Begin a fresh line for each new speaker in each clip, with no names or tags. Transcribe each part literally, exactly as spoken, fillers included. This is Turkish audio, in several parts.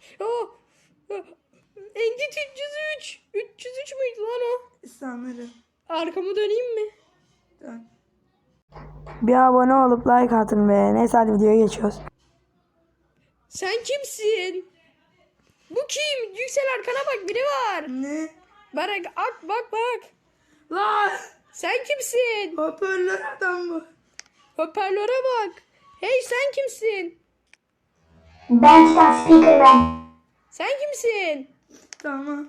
Oh. Engit üç yüz üç. üç yüz üç müydü lan o?
Sanırım.
Arkamı döneyim mi?
Dön. Bir abone olup like atın be. Neyse hadi videoya geçiyoruz.
Sen kimsin? Bu kim? Yüksel arkana bak, biri var.
Ne?
Bak bak bak bak.
Lan!
Sen kimsin?
Hoparlör adam bu.
Hoparlöre bak. Hey sen kimsin?
Ben Titan Speakerman.
Sen kimsin?
Tamam.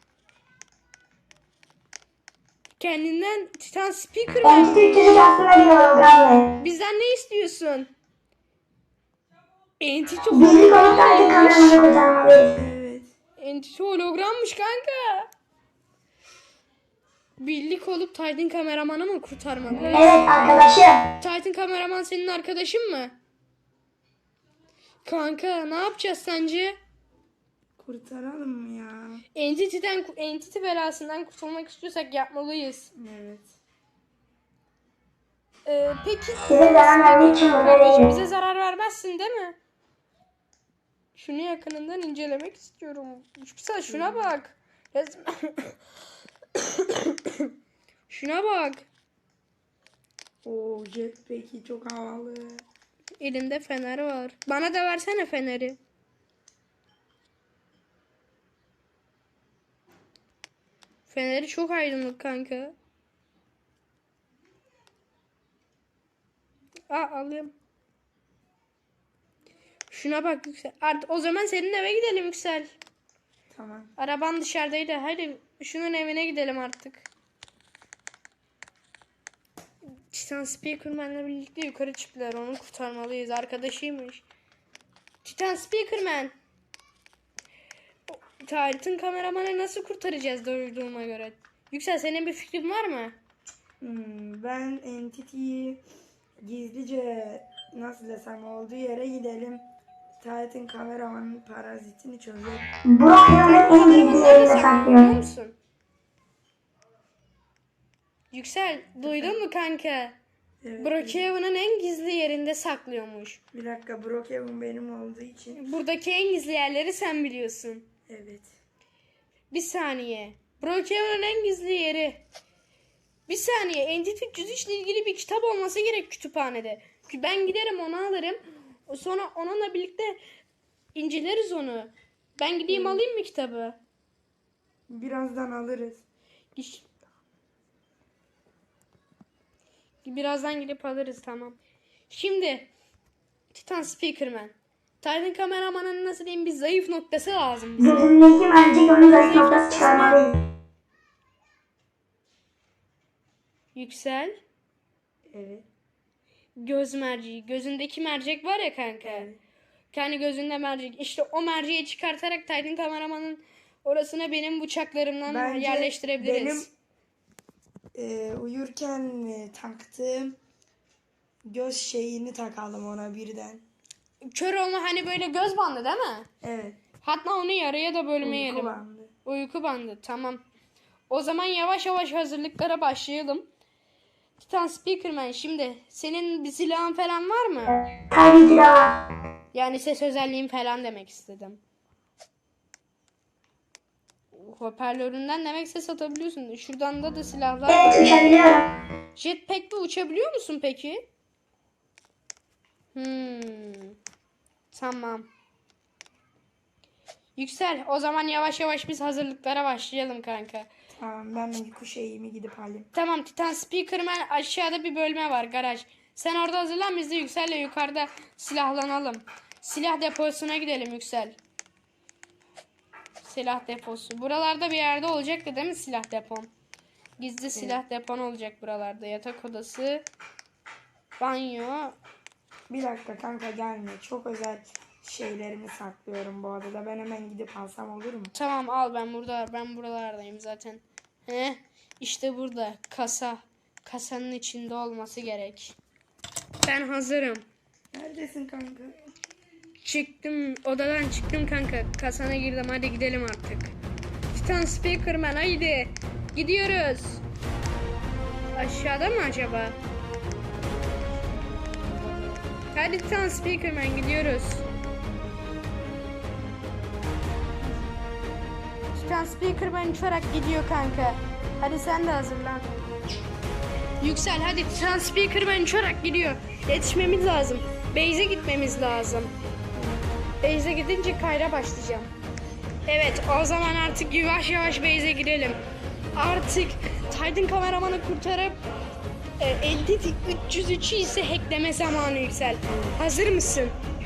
Kendinden Titan Speaker
Ben
mi?
üç yüz üç aslında bir hologramlı.
Bizden ne istiyorsun? Entity
Birlik olup Titan
hologrammış.
kameramızı kurtarmalıyız.
Evet.
Entity hologrammış kanka. Birlik olup Titan kameramanı mı kurtarmalı?
Evet arkadaşım.
Titan kameraman senin arkadaşın mı? Kanka ne yapacağız sence?
Kurtaralım mı ya?
Entity'den, Entity belasından kurtulmak istiyorsak yapmalıyız.
Evet.
Ee, peki
Size zarar vermek için burada
kardeşim
değilim.
bize zarar vermezsin değil mi? Şunu yakınından incelemek istiyorum. Yüksel şuna bak. Resmen- Şuna bak.
Oo jetpack'i çok havalı.
Elinde fener var. Bana da versene feneri. Feneri çok aydınlık kanka. Aa alayım. Şuna bak Yüksel. Artık o zaman senin eve gidelim Yüksel.
Tamam.
Araban dışarıdaydı. Haydi şunun evine gidelim artık. Titan Speakerman'la birlikte yukarı çıktılar. Onu kurtarmalıyız. Arkadaşıymış. Titan Speakerman. Titan kameramanı nasıl kurtaracağız duyduğuma göre? Yüksel senin bir fikrin var mı?
Hmm, ben Entity'yi gizlice nasıl desem olduğu yere gidelim. Titan kameramanın parazitini çözelim.
Brokeon'un en gizli yerinde
Biliyor
saklıyorum.
musun? Yüksel duydun mu kanka?
Evet.
Brookhaven'ın en gizli yerinde saklıyormuş.
Bir dakika, Brookhaven benim olduğu için.
Buradaki en gizli yerleri sen biliyorsun.
Evet.
Bir saniye. Brookhaven'ın en gizli yeri. Bir saniye. Entity üç yüz üç ile ilgili bir kitap olması gerek kütüphanede. Ben giderim onu alırım. Sonra onunla birlikte inceleriz onu. Ben gideyim alayım mı kitabı?
Birazdan alırız.
İş- Birazdan gidip alırız tamam. Şimdi Titan Speakerman. Titan kameramanın nasıl diyeyim bir zayıf noktası lazım bize.
Gözündeki mercek onu zayıf noktası çıkarmalıyız.
Yüksel.
Evet.
Göz merceği. Gözündeki mercek var ya kanka.
Evet.
Kendi gözünde mercek. İşte o merceği çıkartarak Titan kameramanın orasına benim bıçaklarımdan
Bence
yerleştirebiliriz.
benim e, uyurken e, taktığım göz şeyini takalım ona birden.
Kör olma hani böyle göz bandı değil mi?
Evet.
Hatta onu yarıya da bölmeyelim.
Uyku bandı.
Uyku bandı tamam. O zaman yavaş yavaş hazırlıklara başlayalım. Titan Speakerman şimdi senin bir silahın falan var mı?
Tabii ki de var.
Yani ses özelliğin falan demek istedim. Hoparlöründen demek ses atabiliyorsun. Şuradan da da silahlar var.
Evet uçabiliyorum.
Jetpack'le uçabiliyor musun peki? Hmm. Tamam. Yüksel o zaman yavaş yavaş biz hazırlıklara başlayalım kanka.
Tamam, ben uyku şeyimi gidip alayım.
Tamam Titan Speakerman aşağıda bir bölme var garaj. Sen orada hazırlan biz de Yüksel'le yukarıda silahlanalım. Silah deposuna gidelim Yüksel. Silah deposu. Buralarda bir yerde olacaktı değil mi silah depon? Gizli silah depon olacak buralarda. Yatak odası, banyo.
Bir dakika kanka, gelme. Çok özel şeylerimi saklıyorum bu odada. Ben hemen gidip alsam olur mu?
Tamam al ben burada ben buralardayım zaten. He? İşte burada kasa. Kasanın içinde olması gerek. Ben hazırım.
Neredesin kanka?
Çıktım odadan çıktım kanka. Kasana girdim hadi gidelim artık. Titan Speakerman haydi. Gidiyoruz. Aşağıda mı acaba? Hadi Titan Speakerman gidiyoruz. Transpeaker ben uçarak gidiyor kanka. Hadi sen de hazırlan. Yüksel hadi, Transpeaker ben uçarak gidiyor. Yetişmemiz lazım. Base'e gitmemiz lazım. Base'e gidince kayra başlayacağım. Evet, o zaman artık yavaş yavaş base'e girelim. Artık Titan kameramanı kurtarıp e, Entity üç yüz üçü ise hackleme zamanı Yüksel. Hazır mısın?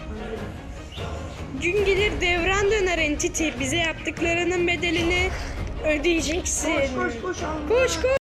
Gün gelir devran döner Entity. Bize yaptıklarının bedelini ödeyeceksin.
Koş koş koş. Allah.
Koş koş.